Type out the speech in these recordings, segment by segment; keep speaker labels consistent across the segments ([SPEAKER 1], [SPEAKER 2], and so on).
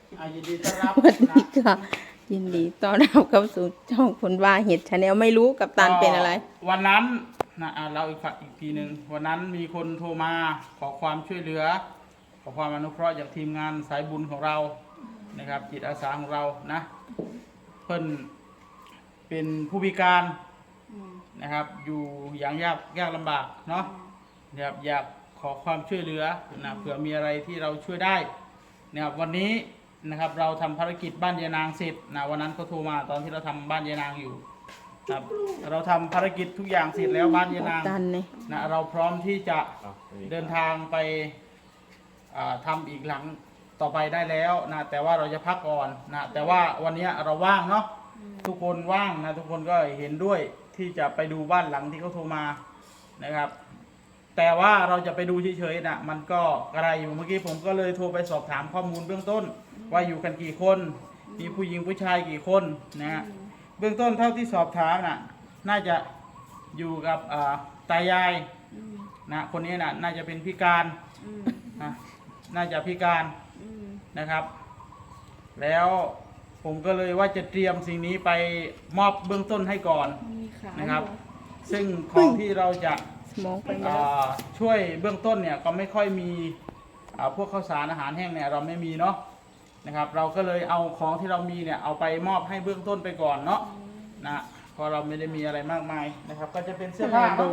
[SPEAKER 1] ยินดีต้อนรับ
[SPEAKER 2] สวัสดีค่ะยินดีต้อนรับเข้าสู่ช่องคนว่าเห็ดชาแนลไม่รู้กับตันเป็นอะไร
[SPEAKER 1] วันนั้นนะเราอีกทีหนึ่งวันนั้นมีคนโทรมาขอความช่วยเหลือขอความอนุเคราะห์จากทีมงานสายบุญของเรานะครับจิตอาสาของเรานะเพิ่นเป็นผู้พิการนะครับอยู่อย่างยากลำบากเนาะนะครับอยากขอความช่วยเหลือนะเผื่อมีอะไรที่เราช่วยได้นะครับวันนี้นะครับเราทำภารกิจบ้านยายนางเสร็จนะวันนั้นเขาโทรมาตอนที่เราทำบ้านยายนางอยู่ครับเราทำภารกิจทุกอย่างเสร็จแล้วบ้านยายนางนะเราพร้อมที่จะเดินทางไปทำอีกหลังต่อไปได้แล้วนะแต่ว่าเราจะพักก่อนนะแต่ว่าวันนี้เราว่างเนาะทุกคนว่างนะทุกคนก็เห็นด้วยที่จะไปดูบ้านหลังที่เขาโทรมานะครับแต่ว่าเราจะไปดูเฉยๆนะมันก็อะไรอยู่เมื่อกี้ผมก็เลยโทรไปสอบถามข้อมูลเบื้องต้นว่าอยู่กันกี่คนมีผู้หญิงผู้ชายกี่คนนะฮะเบื้องต้นเท่าที่สอบถามน่ะน่าจะอยู่กับตายายนะคนนี้น่ะน่าจะเป็นพิการนะน่าจะพิการนะครับแล้วผมก็เลยว่าจะเตรียมสิ่งนี้ไปมอบเบื้องต้นให้ก่อนนะครับซึ่งของที่เราจะช่วยเบื้องต้นเนี่ยก็ไม่ค่อยมีพวกข้าวสารอาหารแห้งเนี่ยเราไม่มีเนาะนะครับเราก็เลยเอาของที่เรามีเนี่ยเอาไปมอบให้เบื้องต้นไปก่อนเนาะนะเพราะเราไม่ได้มีอะไรมากมายนะครับก็จะเป็นเสื้อผ้าเนาะ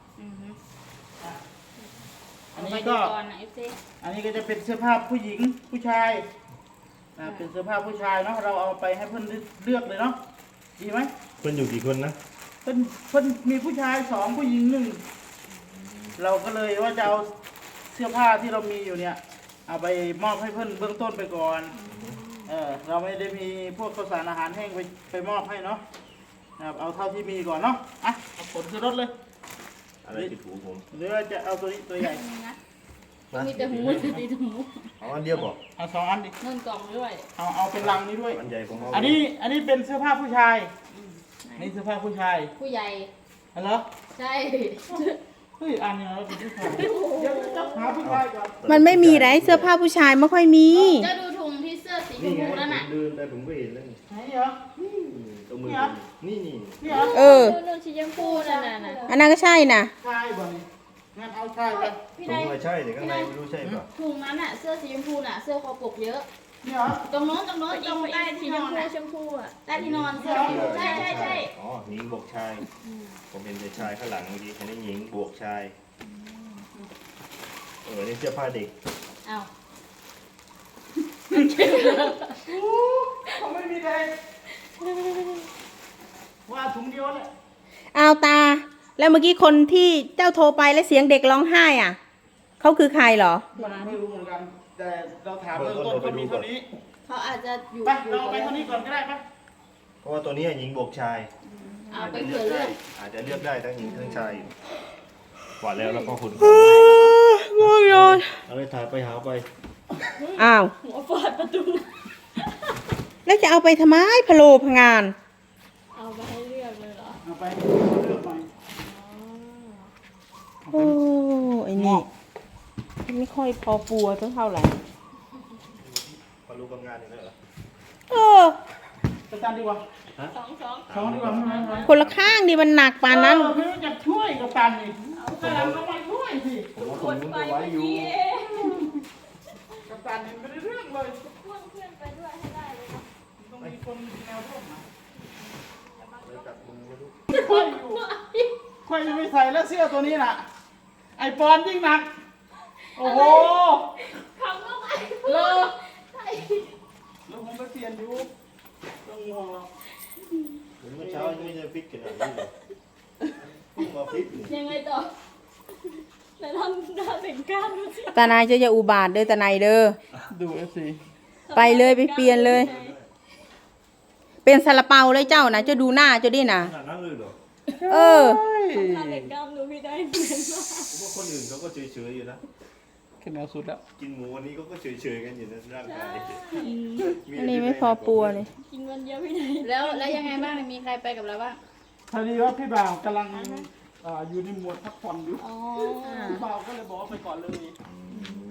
[SPEAKER 1] อันนี้ก็จะเป็นเสื้อผ้าผู้หญิงผู้ชายเป็นเสื้อผ้าผู้ชายเนาะเราเอาไปให้เพื่อนเลือกเลยเนาะดีไหม
[SPEAKER 3] เพื่อนอยู่กี่คนนะ
[SPEAKER 1] เพื่อนมีผู้ชาย2ผู้หญิง1เราก็เลยว่าจะเอาเสื้อผ้าที่เรามีอยู่เนี่ยเอาไปมอบให้เพื่อนเบื้องต้นไปก่อนเราไม่ได้มีพวกข้าวสารอาหารแห้งไปมอบให้เนาะนะครับเอาเท่าที่มีก่อนเนาะเอาขนขึ้นรถเลย
[SPEAKER 3] อะไรติดหูผม
[SPEAKER 1] หรือว่าจะเอาตัวนี้ตัวใหญ่
[SPEAKER 4] มีแต่หูมีแต่หู
[SPEAKER 3] เอาอันเดียวบอก
[SPEAKER 1] เอา2อันดิ
[SPEAKER 4] เงินกล่องด้วย
[SPEAKER 1] เอาเป็นลังนี้ด้วย
[SPEAKER 3] อันใหญ่ของเรา
[SPEAKER 1] อันนี้เป็นเสื้อผ้าผู้ชายนี่เสื้อผ้าผู้ชาย
[SPEAKER 4] ผู้ใหญ่
[SPEAKER 1] อะไร
[SPEAKER 4] ใช่
[SPEAKER 1] เฮ้ยอันนี้เราเป็นผู้ชายเดี๋ยวจะหาผู้ชายก่อน
[SPEAKER 2] มันไม่มีไรเสื้อผ้าผู้ชายไม่ค่อยมี
[SPEAKER 4] จะดูถุงที่เสื้อสีชมพูนั่นน่ะ
[SPEAKER 3] เดินแต่ผมก็เห็นแล้ว
[SPEAKER 1] ไหนเหรอ
[SPEAKER 3] ตรงมือนี่
[SPEAKER 4] สีชมพูนั่นน่ะ
[SPEAKER 2] อันนั้นก็ใช่น่ะ
[SPEAKER 1] ใช่บ่นี่งั้นเอาใช่ไป
[SPEAKER 3] ตรงใช่แต่ข้างในไม่รู้ใช่ป่ะ
[SPEAKER 4] ถุงนั้นน่ะเสื้อสีชมพูน่ะเสื้อคอปกเยอะ
[SPEAKER 1] นี่เหรอ
[SPEAKER 4] ตรงโน้นตรงใต้ที่นอนชมพูอ่ะใต้ที่นอนเสื้อใช่
[SPEAKER 3] อ๋อหญิงบวกชายผมเป็นชายข้างหลังเมื่อกี้อันนี้หญิงบวกชายนี่เสื้อผ้าเด็ก
[SPEAKER 4] อ้าว
[SPEAKER 1] เขาไม่มีเลยว่าถุงเดียวเลย
[SPEAKER 2] เอาตาแล้วเมื่อกี้คนที่เจ้าโทรไปแล้วเสียงเด็กร้องไห้อ่ะเขาคือใครเหรอ
[SPEAKER 1] ไม่รู้เหมือนกันแต่เราถามเบื้องต้นเขามีเท่านี้
[SPEAKER 4] เขาอาจจะอยู่
[SPEAKER 1] ไปเราไปเท่านี้ก่อนก็ได้ปะ
[SPEAKER 3] เพราะว่าตัวนี้หญิงบวกชาย
[SPEAKER 4] เอาไปเผื่อเลือก
[SPEAKER 3] อาจจะเลือกได้ทั้งหญิงทั้งชายกว่าแล้วก็คุณ
[SPEAKER 2] ง่วงนอน
[SPEAKER 3] เอาไปถ่ายไปหาไป
[SPEAKER 2] อ้าว
[SPEAKER 4] หัวฟาดประตู
[SPEAKER 2] แล้วจะเอาไปทำไมพะโลพงาน
[SPEAKER 4] เอาไปให้เลือกเลยเหรอ
[SPEAKER 1] เอาไปเลือกไป
[SPEAKER 2] โอ้ไอ้นี่ไม่ค่อยพอปัวเท่าไหร่
[SPEAKER 3] พอรู้กำงานอย่างนั้นเหรอ
[SPEAKER 1] ไปกันดีกว่าสองดีกว่า
[SPEAKER 2] คนละข้างดิมันหนักปานนั้น
[SPEAKER 1] ไม่รู้จะช่วยกับตันนี่แต่เราก็มาช่วยสิ
[SPEAKER 3] ผมว่าผมต้องไว้อยู่
[SPEAKER 1] กับตันนี่ไม่ได้เรื่องเลย
[SPEAKER 4] พ่วงเพื่อนไปด้วยให้ได้เลย
[SPEAKER 1] ต้องมีคนแนวร่วมนะ
[SPEAKER 3] เลยจับมือไว้ดู
[SPEAKER 1] ค่อยจะไม่ใส่แล้วเสื้อตัวนี้น่ะไอปอนยิ่งหนักโอ้โห
[SPEAKER 4] คำว่าไอ
[SPEAKER 1] เลอะแล้วผมไปเปลี่ยนอยู่ต้องห่วงเรา
[SPEAKER 3] เมื่อเช้ายังไม่ได้ฟิตขนาดนี้เลยมาฟิต
[SPEAKER 4] ยังไงต่อแต่ทำได้ถึงการดูสิ
[SPEAKER 2] ตานายจะอย่าอุบาทเด้อตานายเด้อ
[SPEAKER 1] ดู FC
[SPEAKER 2] ไปเลยไปเปลี่ยนเลยเป็นซาลาเปาเลยเจ้านะจะดูหน้าจะดินะ
[SPEAKER 3] นั่งเลยเหรอ
[SPEAKER 4] ทำเด็กกล้ามดูไม่ได้เหมือนว่า
[SPEAKER 3] คนอื่นเขาก็เฉยๆอยู่นะ
[SPEAKER 1] ขึ้นแนวสุดแล้ว
[SPEAKER 3] กินหมูวันนี้เขาก็เฉยๆกันอยู่นะร่างกาย
[SPEAKER 2] อันนี้ไม่พอปัวเลย
[SPEAKER 4] กินวันเดียวไม่ได้แล้วยังไงบ้างมีใครไปกับเราบ้าง
[SPEAKER 1] พอดีว่าพี่บ่าวกำลังอยู่ในหมวดพักผ่อนอยู่พี่บ่าวก็เลยบอกไปก่อนเลย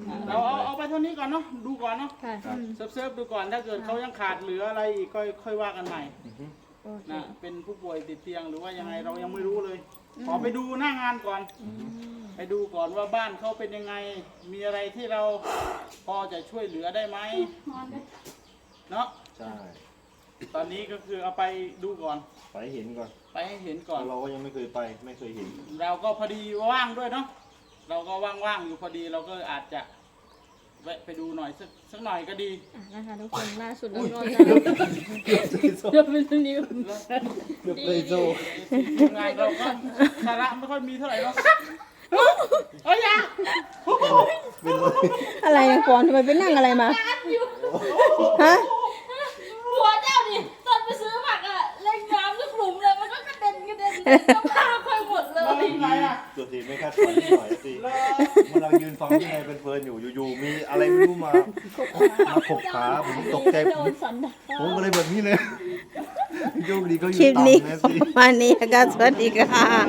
[SPEAKER 1] เราเอาไปเท่านี้ก่อนเนาะดูก่อนเนาะ
[SPEAKER 4] ค่ะ
[SPEAKER 1] เซิร์ฟดูก่อนถ้าเกิดเขายังขาดเหลืออะไรอีกก็ค่อยว่ากันใหม่
[SPEAKER 3] อือฮึ
[SPEAKER 4] โอเค
[SPEAKER 1] นะเป็นผู้ป่วยติดเตียงหรือว่ายังไงเรายังไม่รู้เลยขอไปดูหน้างานก่อน ไปดูก่อนว่าบ้านเขาเป็นยังไง มีอะไรที่เราพอจะช่วยเหลือได้ไหมเนาะ
[SPEAKER 3] ใช่
[SPEAKER 1] ตอนนี้ก็คือเอาไปดูก่อน
[SPEAKER 3] ไปเห็นก่อน
[SPEAKER 1] ไปให้เห็นก่อน
[SPEAKER 3] เราก็ยังไม่เคยไปไม่เคยเห็น
[SPEAKER 1] เราก็พอดีว่างด้วยเนาะเราก็ว่างๆอยู่พอดีเราก็อาจจะแวะไปดูหน่อยสักหน่อยก็ดี
[SPEAKER 4] อ่ะนะคะทุกคนล่าสุดเราก็จะ
[SPEAKER 3] เกือบเลยโซ่
[SPEAKER 4] เดี๋ยวเป็นนิ้ว
[SPEAKER 3] เกือบเลยโซ่
[SPEAKER 1] ทีมงานเราก็สาระไม่ค่อยมีเท่าไหร่เนาะเอ้ยอย่า
[SPEAKER 3] เป็นเลย
[SPEAKER 2] อะไรนะก่อนทำไมไปนั่งอะไรมา ฮะ
[SPEAKER 4] หัวเจ้าดิตอนไปซื้อผักอะเล่นน้ำทุกหลุมเลยมันก็กระเด็นก็พาค่อยหมดเลย
[SPEAKER 1] อะไรอ่ะ
[SPEAKER 3] ตัวทีไม่คาดฝันนิดหน่อยสิเมื่อเรายืนฟังที่ไหนเป็นเพลินอยู่ๆมีอะไรไม่รู้มาขบขาผมตกใจ
[SPEAKER 4] โดนสันดาน
[SPEAKER 3] ผมก็เลยแบบนี้เลยโยกดีก็อ
[SPEAKER 2] คลิ
[SPEAKER 3] ยู่
[SPEAKER 2] ปนี้
[SPEAKER 3] ต่ำนะ
[SPEAKER 2] ประ
[SPEAKER 3] สิ
[SPEAKER 2] มาณนี้นะคะสวัสดีค่ะ